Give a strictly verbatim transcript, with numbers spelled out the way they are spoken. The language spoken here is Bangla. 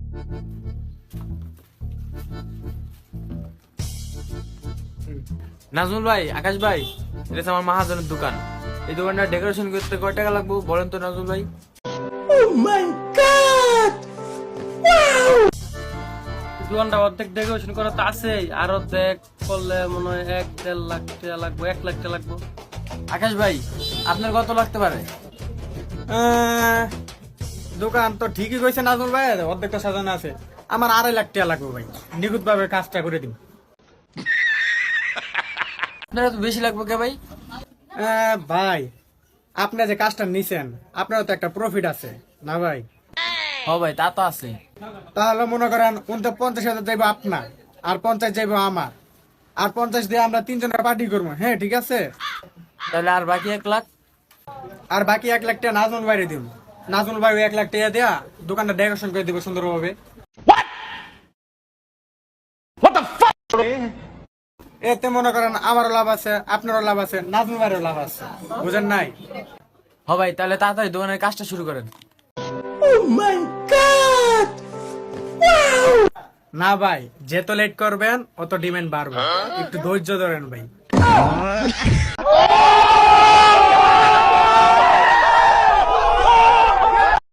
নাজমুল ভাই, আকাশ ভাই, এটা আমার মাহাজনের দোকান। এই দোকানটা ডেকোরেশন করতে কয় টাকা লাগবে বলেন তো নাজমুল ভাই? দোকানটা অর্ধেক ডেকোরেশন করা তো আছেই, আর অর্ধেক করলে মনে হয় এক দেড় লাখ টাকা লাগবে, এক লাখ টাকা লাগবে। আকাশ ভাই, আপনার কত লাগতে পারে? আহ, দোকান তো ঠিকই কইছে নাজমুল ভাই, অর্ধেকটা সাজানো আছে। আমার আড়াই লাখ টাকা লাগবে ভাই, নিখুঁত ভাবে কাজটা করে দিন। আপনার তো বেশি লাগবে কে ভাই? আহ, ভাই আপনি যে কাজটা নিছেন, আপনারও তো একটা প্রফিট আছে না ভাই? হ ভাই, তা তো আছে। তাহলে মনে করেন উনতে পঞ্চাশ হাজার যাইবো আপনার, আর পঞ্চাশ যাইবো আমার, আর পঞ্চাশ দিয়ে আমরা তিনজনের পার্টি করবো। হ্যাঁ ঠিক আছে। তাহলে আর বাকি এক লাখ? আর বাকি এক লাখ টাকা নাজমুল ভাইরে দিব। নাজমুল ভাই ওই এক লাখ টাকা দেয়া দোকানটা ডেকোরেশন করে দিব সুন্দরভাবে। এতে মনে করেন আমারও লাভ আছে, আপনারও লাভ আছে, নাজমুল ভাইয়েরও লাভ আছে, বুঝেন নাই? হ ভাই, তাহলে তাড়াতাড়ি দোকানের কাজটা শুরু করেন। না ভাই, যত লেট করবেন অত ডিমান্ড বাড়বে, একটু ধৈর্য ধরেন ভাই।